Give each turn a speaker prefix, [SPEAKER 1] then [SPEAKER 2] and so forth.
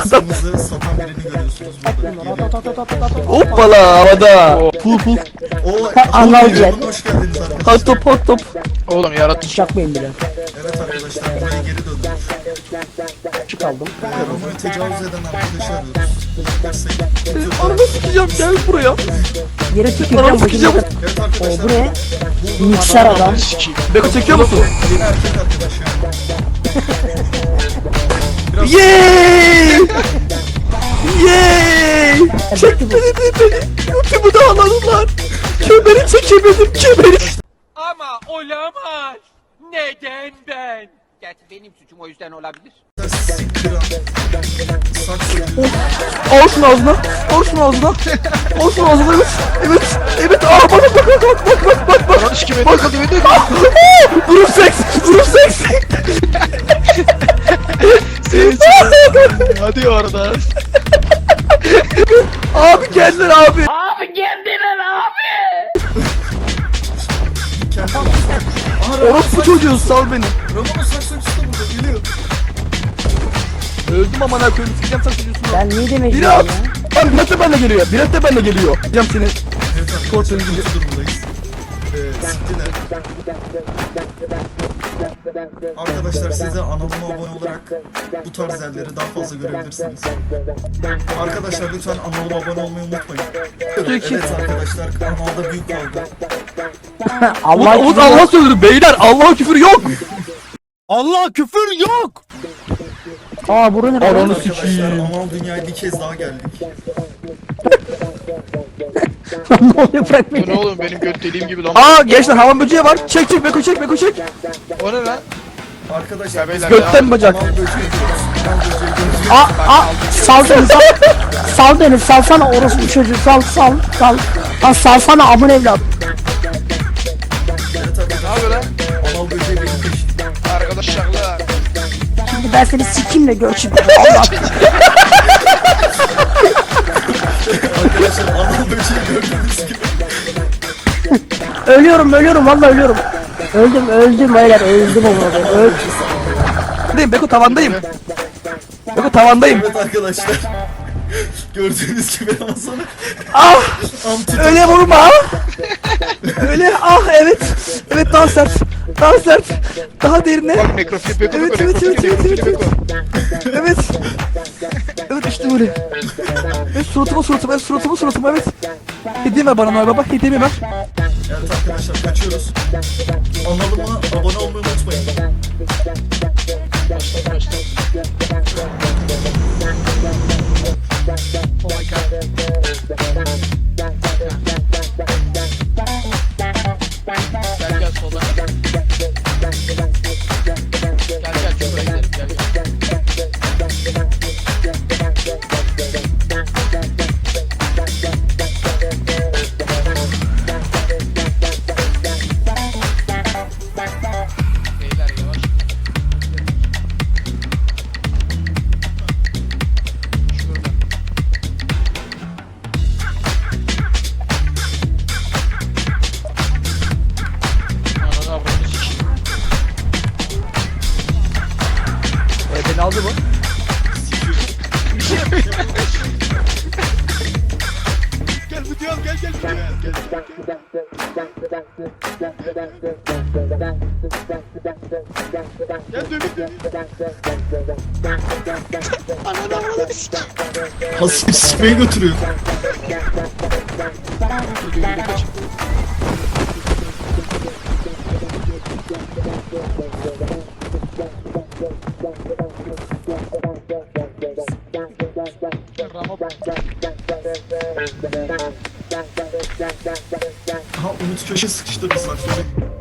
[SPEAKER 1] Kırmızı satan birini görüyorsunuz burada.
[SPEAKER 2] Hoppala havada. Pul pul.
[SPEAKER 1] O
[SPEAKER 3] Anlayacak.
[SPEAKER 1] hoş geldiniz arkadaşlar.
[SPEAKER 2] Hot top hot top.
[SPEAKER 4] Oğlum yaratıcı
[SPEAKER 3] Çakmayın bile.
[SPEAKER 1] Evet arkadaşlar buraya geri döndük.
[SPEAKER 3] Küçük aldım.
[SPEAKER 1] Romo'yu tecavüz eden arkadaşı arıyoruz.
[SPEAKER 2] Ananı sikeceğim gel buraya.
[SPEAKER 3] Yere tüküreceğim.
[SPEAKER 2] Ananı sikeceğim.
[SPEAKER 1] Evet arkadaşlar.
[SPEAKER 3] Bu ne? Mikser adam.
[SPEAKER 4] sikiyim.
[SPEAKER 2] Beko çekiyor musun?
[SPEAKER 1] Yeni erkek arkadaş ya. Biraz
[SPEAKER 2] Yeeey! Yeeey!
[SPEAKER 3] Çekti bu.
[SPEAKER 2] Beni. Götümü de aladılar. Kemeri çekemedim kemeri.
[SPEAKER 5] Ama olamaz. Neden ben? Gerçi benim suçum o yüzden olabilir.
[SPEAKER 1] siktiren. Saksı.
[SPEAKER 2] Al şunu ağzına. Al şunu ağzına. Al şunu ağzına evet. Evet. Evet. Aa bana bak.
[SPEAKER 4] Ananı sikiyim beni yakaladı beni.
[SPEAKER 2] Grup seks. Grup seks.
[SPEAKER 4] Hadi oradan.
[SPEAKER 2] Abi geldiler abi. Orospu çocuğu sal beni.
[SPEAKER 1] Romo'nun saksıcısı da burada geliyor.
[SPEAKER 2] Öldüm amına koyayım sikeceğim sen çocuğusunu.
[SPEAKER 3] Ben niye demek
[SPEAKER 2] Biri
[SPEAKER 3] ya?
[SPEAKER 2] at. Lan Birat da benimle geliyor. Birat da benimle geliyor. Sikeceğim seni.
[SPEAKER 1] Evet arkadaşlar kötü durumdayız. Siktiler. Arkadaşlar size analıma abone olarak bu tarz yerleri daha fazla görebilirsiniz. Arkadaşlar lütfen analıma abone olmayı unutmayın. Evet arkadaşlar kanalda büyük kavga.
[SPEAKER 3] Allah
[SPEAKER 2] Umut Allah söylüyor beyler. Allah'a küfür yok.
[SPEAKER 6] Allah küfür yok.
[SPEAKER 3] Aa burun ne?
[SPEAKER 2] Ananı
[SPEAKER 1] Arkadaşlar
[SPEAKER 2] sikeyim.
[SPEAKER 1] anal dünyaya bir kez daha geldik.
[SPEAKER 3] Ne oluyor bırak
[SPEAKER 4] Bu ne
[SPEAKER 3] beni.
[SPEAKER 4] oğlum benim göt deliğim gibi lan.
[SPEAKER 2] Aa gençler havan böceği var. Çek çek Beko çek Beko çek.
[SPEAKER 4] O ne lan?
[SPEAKER 1] Arkadaşlar
[SPEAKER 4] Ya beyler
[SPEAKER 2] Götten bacak.
[SPEAKER 1] anal böceği diyoruz. Anal böceği görüyoruz.
[SPEAKER 3] Sal beni sal. Sal beni salsana orospu çocuğu sal. Lan salsana amın evlat.
[SPEAKER 1] Evet arkadaşlar
[SPEAKER 4] Ne yapıyor lan?
[SPEAKER 1] anal böceği benim peşimde.
[SPEAKER 4] Arkadaşlar.
[SPEAKER 3] Şimdi ben seni sikimle gör şimdi. Allah.
[SPEAKER 1] Arkadaşlar anal böceği gördüğünüz gibi.
[SPEAKER 3] Ölüyorum vallahi ölüyorum. Öldüm beyler öldüm amına koyayım.
[SPEAKER 2] Değil Beko tavandayım. Beko tavandayım.
[SPEAKER 1] Evet arkadaşlar. Gördüğünüz gibi ama sonra
[SPEAKER 2] Ah
[SPEAKER 1] anti
[SPEAKER 2] öyle vurma. Öyle ah evet. Evet daha sert. Daha sert. Daha derine.
[SPEAKER 4] Bak nekrofil beko
[SPEAKER 2] Evet,
[SPEAKER 4] beko
[SPEAKER 2] evet,
[SPEAKER 4] nekrofil
[SPEAKER 2] evet,
[SPEAKER 4] nekrofil
[SPEAKER 2] evet,
[SPEAKER 4] beko.
[SPEAKER 2] Evet. Evet işte böyle. Evet suratıma evet. Hediye ver bana Noel Baba. Hediyemi ver.
[SPEAKER 1] Evet arkadaşlar kaçıyoruz. Analıma abone olmayı unutmayın.
[SPEAKER 4] Gel soldan. Gel şuraya gidelim gel. Beyler yavaş. Şurada. Ananı avradını sikeyim.
[SPEAKER 2] Beni aldı bu.
[SPEAKER 6] Gel video al gel gel. Gel dövün.
[SPEAKER 1] Hasip sikmeye götürüyor. Aha Umut köşe sıkıştırdı sakları.